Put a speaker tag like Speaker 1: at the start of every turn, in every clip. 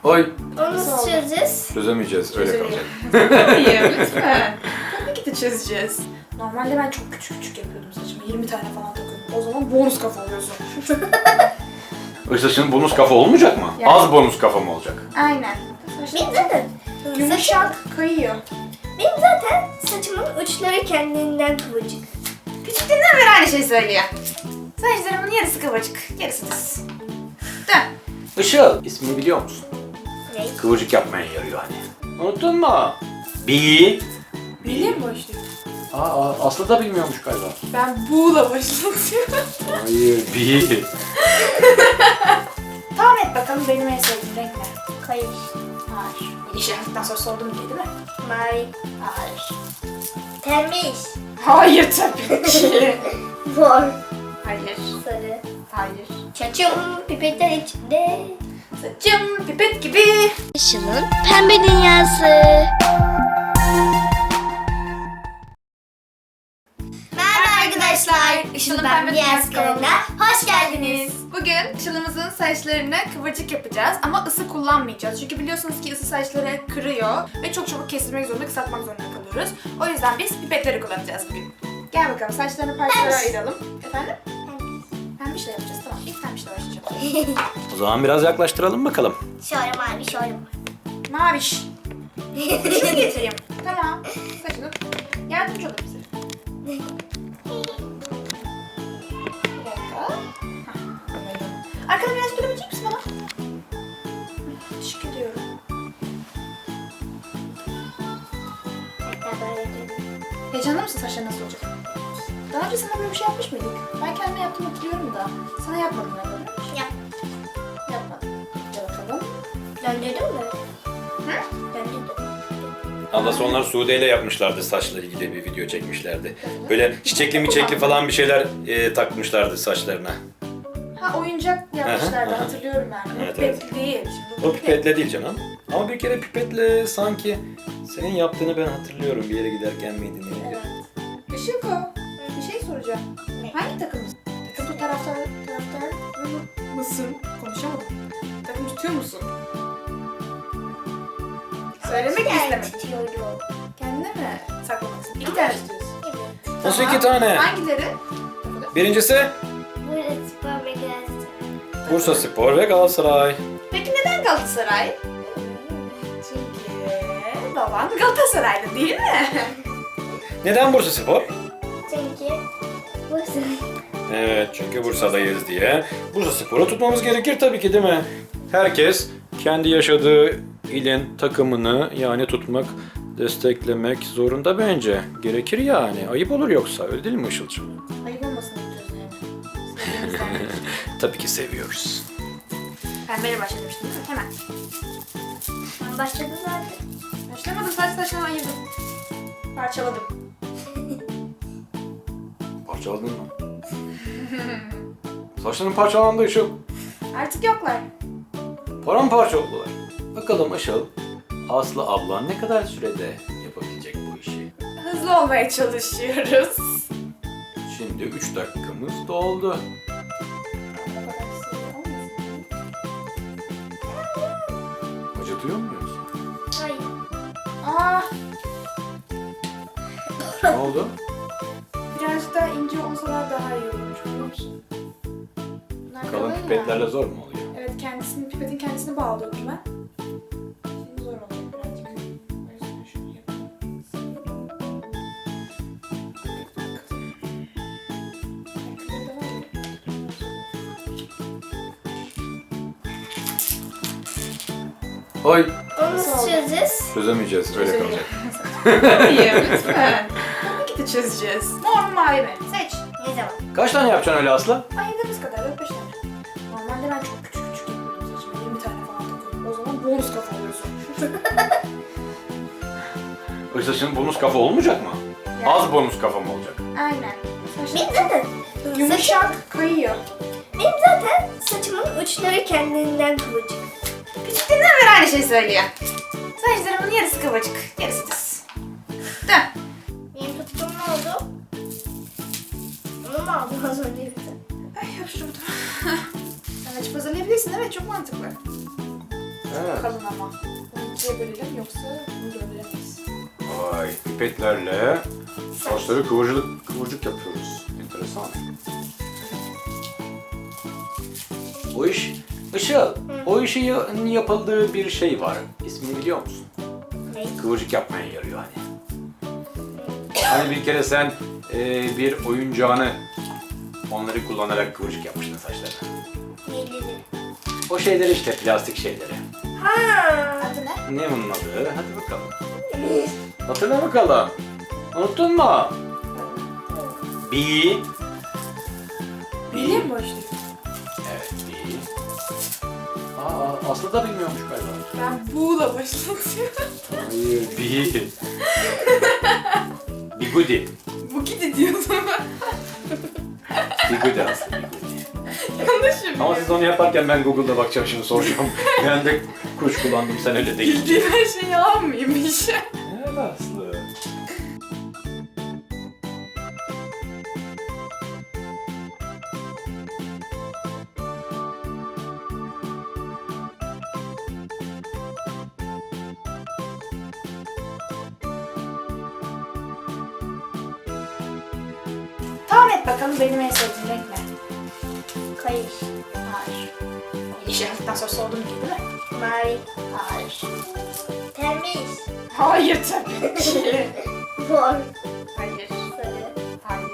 Speaker 1: Oy.
Speaker 2: Onu nasıl çözeceğiz?
Speaker 1: Çözemeyeceğiz. Öyle kalacak.
Speaker 3: Hayır lütfen. Tabii ki de çözeceğiz. Normalde ben çok küçük küçük yapıyordum saçımı. 20 tane falan takıyordum. O zaman bonus kafa oluyorsun.
Speaker 1: Işıl'ın bonus kafa olmayacak mı?
Speaker 3: Yani-
Speaker 1: Az bonus kafa mı olacak?
Speaker 3: Aynen.
Speaker 2: Benim zaten
Speaker 3: Yumuşak kayıyor.
Speaker 2: Benim zaten saçımın uçları kendinden kıvırcık.
Speaker 3: Küçüklüğünden beri aynı şeyi söylüyor. Saçlarımın yarısı kıvırcık, yarısı düz. Dön.
Speaker 1: Işıl, ismini biliyor musun?
Speaker 2: Ne?
Speaker 1: Kıvırcık yapmaya yarıyor hani. Unuttun mu? Bi.
Speaker 3: Biliyor musun işte?
Speaker 1: Aslı da bilmiyormuş galiba.
Speaker 3: Ben buğla başlatıyorum.
Speaker 1: Hayır, bi.
Speaker 3: Tahmin et bakalım benim en sevdiğim renk ne?
Speaker 2: Kayış.
Speaker 3: Hayır. İşaretten sonra sordum diye değil mi?
Speaker 2: Mavi.
Speaker 3: Hayır.
Speaker 2: Temiz.
Speaker 3: Hayır tabii ki.
Speaker 2: Mor.
Speaker 3: Hayır.
Speaker 2: Sarı.
Speaker 3: Hayır.
Speaker 2: Saçım pipetler içinde.
Speaker 3: Saçım pipet gibi.
Speaker 2: Işıl'ın pembe dünyası. Merhaba arkadaşlar. Işıl'ın pembe dünyası kanalına hoş geldiniz.
Speaker 3: Bugün Işıl'ımızın saçlarını kıvırcık yapacağız ama ısı kullanmayacağız. Çünkü biliyorsunuz ki ısı saçları kırıyor ve çok çabuk kestirmek zorunda, kısaltmak zorunda kalıyoruz. O yüzden biz pipetleri kullanacağız bugün. Gel bakalım saçlarını parçalara ayıralım. Efendim? Pembişle yapacağız, tamam. İlk pembişle başlayacağım.
Speaker 1: O zaman biraz yaklaştıralım bakalım.
Speaker 2: Şöyle mavi, şöyle
Speaker 3: Maviş. Şunu getireyim. Tamam. Saçını yardımcı olur bize. Bir dakika. Hah, anladım. Arkadan biraz durabilecek misin bana? Teşekkür ediyorum. Heyecanlı mısın saçların nasıl olacak? Daha önce sana böyle bir şey yapmış mıydık? Ben kendime yaptım hatırlıyorum da. Sana yapmadım galiba.
Speaker 2: Yap.
Speaker 3: Yapmadım. Gel bakalım.
Speaker 2: Döndürdün mü?
Speaker 3: Hı?
Speaker 2: Döndürdüm.
Speaker 1: Ablası onlar Sude ile yapmışlardı, saçla ilgili bir video çekmişlerdi. Böyle çiçekli miçekli falan bir şeyler takmışlardı saçlarına.
Speaker 3: Ha oyuncak yapmışlardı
Speaker 1: Aha, aha.
Speaker 3: hatırlıyorum ben.
Speaker 1: Evet,
Speaker 3: Pipet değil. Şimdi
Speaker 1: O pipetle değil canım. Ama bir kere pipetle sanki senin yaptığını ben hatırlıyorum bir yere giderken miydi neydi?
Speaker 3: Evet. Işık o. Bir şey soracağım. Hangi takımısın? Takım taraftar mısın? Konuşamadım. Takım tutuyor musun? Söylemek istemedim.
Speaker 2: Tutuyorum.
Speaker 3: Kendine mi saklamalısın? İki tane tutuyorsun.
Speaker 2: Evet.
Speaker 1: Nasıl iki tane?
Speaker 3: Hangileri?
Speaker 1: Birincisi
Speaker 2: Burada spor ve gaz.
Speaker 1: Bursa Spor ve Galatasaray.
Speaker 3: Peki neden Galatasaray? Çünkü baban Galatasaraylı değil mi?
Speaker 1: Neden Bursa Spor?
Speaker 2: Çünkü burası.
Speaker 1: Evet, çünkü Bursa'dayız diye. Bursa Spor'u tutmamız gerekir tabii ki değil mi? Herkes kendi yaşadığı ilin takımını yani tutmak, desteklemek zorunda bence. Gerekir yani. Ayıp olur yoksa. Öyle değil mi Işıl'cığım?
Speaker 3: Ayıp olmasın diyoruz yani. Sevdiğimizden.
Speaker 1: Tabii ki seviyoruz.
Speaker 3: Pembeyle başlamıştım değil mi? Hemen.
Speaker 2: Ben başladım zaten.
Speaker 3: Başlamadım, saçlarını ayırdım. Parçaladım.
Speaker 1: Parçaladın mı? Saçların parçalandı Işıl.
Speaker 3: Artık yoklar.
Speaker 1: Paramparça oldular. Bakalım Işıl, Aslı ablan ne kadar sürede yapabilecek bu işi?
Speaker 3: Hızlı olmaya çalışıyoruz.
Speaker 1: Şimdi 3 dakikamız doldu. Acıtıyor mu yoksa?
Speaker 2: Hayır.
Speaker 3: Aa,
Speaker 1: Ne oldu?
Speaker 3: birazcık daha ince olsalar daha iyi olurmuş biliyor musun? Bunlar
Speaker 1: Kalın
Speaker 3: ya.
Speaker 1: pipetlerle zor mu oluyor?
Speaker 3: Evet, pipetin kendisini bağlıyordum ben. Şimdi zor oluyor birazcık. O yüzden şunu yapayım.
Speaker 1: Oy.
Speaker 2: Onu nasıl çözeceğiz?
Speaker 1: Çözemeyeceğiz, öyle kalacak.
Speaker 3: Hayır lütfen. Tabii ki de çözeceğiz. Mor mu mavi mi? Seç.
Speaker 2: Ne zaman?
Speaker 1: Kaç tane yapacaksın öyle Aslı?
Speaker 3: Ayırdığımız kadar 4-5 tane. Normalde ben çok küçük küçük yapıyordum saçımı. 20 tane falan takıyordum. O zaman bonus kafa oluyorsun.
Speaker 1: Işıl'ın bonus kafa olmayacak mı?
Speaker 3: Yani.
Speaker 1: Az bonus kafa mı olacak?
Speaker 3: Aynen.
Speaker 2: Benim zaten
Speaker 3: Yumuşak kayıyor.
Speaker 2: Benim zaten saçımın uçları kendinden kıvırcık.
Speaker 3: Küçüklüğünden beri aynı şeyi söylüyor. Saçlarımın yarısı kıvırcık, yarısı düz. Dön.
Speaker 2: Benim tuttuğum ne oldu? Onu mu aldın az önce?
Speaker 3: Ay hapşırdım. Sen açıp hazırlayabilirsin, evet çok mantıklı.
Speaker 1: Evet.
Speaker 3: Kalın ama. Bunu ikiye bölelim yoksa bunu gönderemeyiz.
Speaker 1: Vay, pipetlerle saçları kıvırcık yapıyoruz. Enteresan. O iş, Işıl, o işin yapıldığı bir şey var. İsmini biliyor musun?
Speaker 2: Ne?
Speaker 1: Kıvırcık yapmaya yarıyor hani. Hani bir kere sen bir oyuncağını onları kullanarak kıvırcık yapmıştın saçlarına.
Speaker 2: Neyleri?
Speaker 1: O şeyleri işte, plastik şeyleri.
Speaker 3: Adı ne?
Speaker 1: Ne bunun adı? Hadi bakalım. Hatırla bakalım. Unuttun mu? Bi.
Speaker 3: Biliyor musun işte?
Speaker 1: Evet, bi. Aa, Aslı da bilmiyormuş galiba.
Speaker 3: Ben buğla başlatıyorum.
Speaker 1: Hayır, bi. Bigudi.
Speaker 3: Bu gidi diyordum.
Speaker 1: Bigudi Aslı, bigudi.
Speaker 3: Yanlışım.
Speaker 1: Ama siz onu yaparken ben Google'da bakacağım şimdi soracağım. Ben de kuş kullandım, sen öyle değil.
Speaker 3: Bildiğim her şeyi almayayım
Speaker 1: Evet Aslı.
Speaker 3: Tahmin et bakalım benim en sevdiğim renk ne?
Speaker 2: Kayış.
Speaker 3: Hayır. İşe hafiften sonra sordum ki değil mi?
Speaker 2: Mavi.
Speaker 3: Hayır.
Speaker 2: Temiz.
Speaker 3: Hayır tabii ki.
Speaker 2: Mor.
Speaker 3: Hayır.
Speaker 2: Sarı.
Speaker 3: Hayır.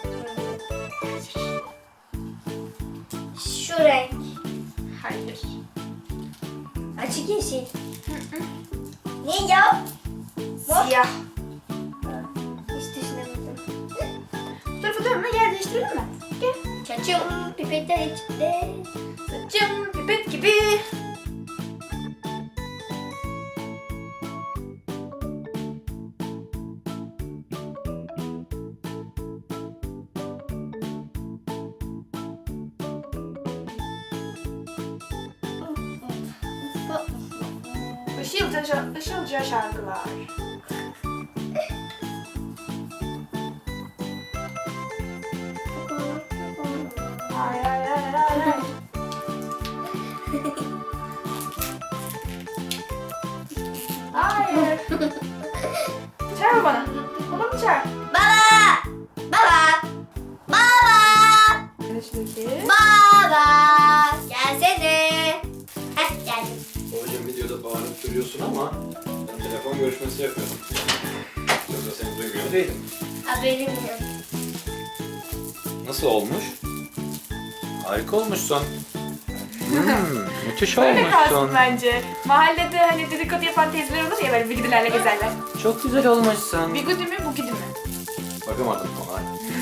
Speaker 2: Şu renk.
Speaker 3: Hayır.
Speaker 2: Açık yeşil. Ne ya? Mor.
Speaker 3: Siyah.
Speaker 2: Hiç düşünemedim.
Speaker 3: Bu tarafa dönme, yer değiştirelim mi? Gel.
Speaker 2: Saçım pipetler içinde.
Speaker 3: Saçım pipet gibi. Işılca şarkılar. Hayır, hayır, hayır, hayır. Hayır. Çağır bana. Babamı çağır.
Speaker 2: Baba! Baba! Baba!
Speaker 3: Karıştaki.
Speaker 2: Baba! Gelsene. Heh geldim.
Speaker 1: Babacığım videoda bağırıp duruyorsun ama ben telefon görüşmesi yapıyorum. Yoksa seni duymuyor değilim.
Speaker 2: Haberim yok.
Speaker 1: Nasıl olmuş? Harika olmuşsun. Müthiş
Speaker 3: Böyle kalsın
Speaker 1: olmuşsun.
Speaker 3: bence. Mahallede hani dedikodu yapan teyzeler olur ya böyle bigudilerle gezerler.
Speaker 1: Çok güzel olmuşsun.
Speaker 3: Bigudi mi, bugidi mi?
Speaker 1: Bakamadım ona.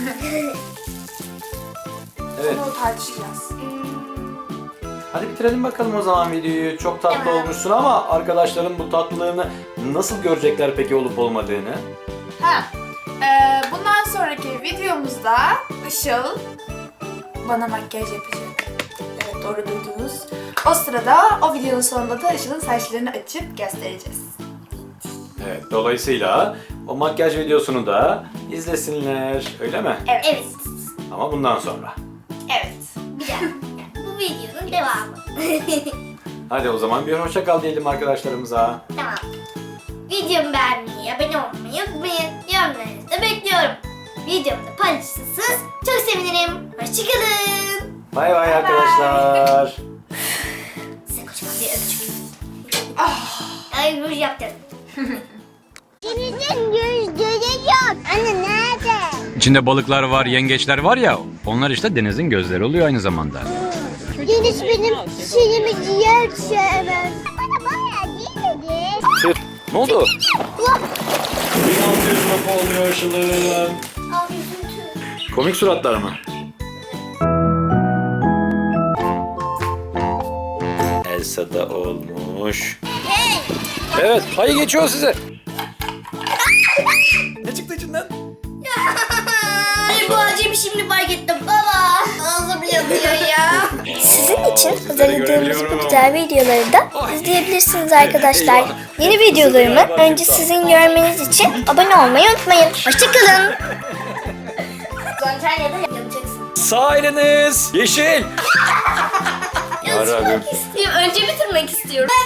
Speaker 1: Evet.
Speaker 3: Onu tartışacağız.
Speaker 1: Hadi bitirelim bakalım o zaman videoyu. Çok tatlı
Speaker 2: Tamam.
Speaker 1: olmuşsun ama arkadaşların bu tatlılığını nasıl görecekler peki olup olmadığını?
Speaker 3: Bundan sonraki videomuzda Işıl bana makyaj yapacak. Evet, doğru duydunuz. O sırada o videonun sonunda da Işıl'ın saçlarını açıp göstereceğiz.
Speaker 1: Evet, dolayısıyla o makyaj videosunu da izlesinler, öyle mi?
Speaker 3: Evet.
Speaker 2: Evet.
Speaker 1: Ama bundan sonra.
Speaker 3: Evet.
Speaker 2: Bir daha. Yani bu videonun devamı.
Speaker 1: Hadi o zaman bir hoşça kal diyelim arkadaşlarımıza.
Speaker 2: Tamam. Videomu beğenmeyi, abone olmayı unutmayın. Yorumlarınızı da bekliyorum. Videomu da paylaşırsanız çok sevinirim. Hoşçakalın.
Speaker 1: Bay bay arkadaşlar.
Speaker 2: Size kocaman bir öpücük.
Speaker 3: Ah.
Speaker 2: Ay ruj yaptım.
Speaker 4: Denizin gözleri yok. Anne nerede?
Speaker 5: İçinde balıklar var, yengeçler var ya, onlar işte denizin gözleri oluyor aynı zamanda.
Speaker 4: Deniz benim şeyimi ciğer sevmez. Bana bayağı değil dedi.
Speaker 1: Ne oldu? 1600 lira oluyor Işıl'ın.
Speaker 2: Al üzüntü.
Speaker 1: Komik suratlar mı? Elsa da olmuş. Evet, hayır geçiyor size. Ne çıktı içinden?
Speaker 2: Ay bu acemi şimdi fark ettim. Baba. Ağzım yanıyor ya. Sizin için hazırladığımız bu güzel videoları da izleyebilirsiniz arkadaşlar.
Speaker 1: Eyvah.
Speaker 2: Yeni videolarımı önce sizin görmeniz için abone olmayı unutmayın. Hoşçakalın. Antalya'da yapacaksın.
Speaker 1: Sağ eliniz yeşil. Yarabbim.
Speaker 2: İstiyorum. Önce bitirmek istiyorum.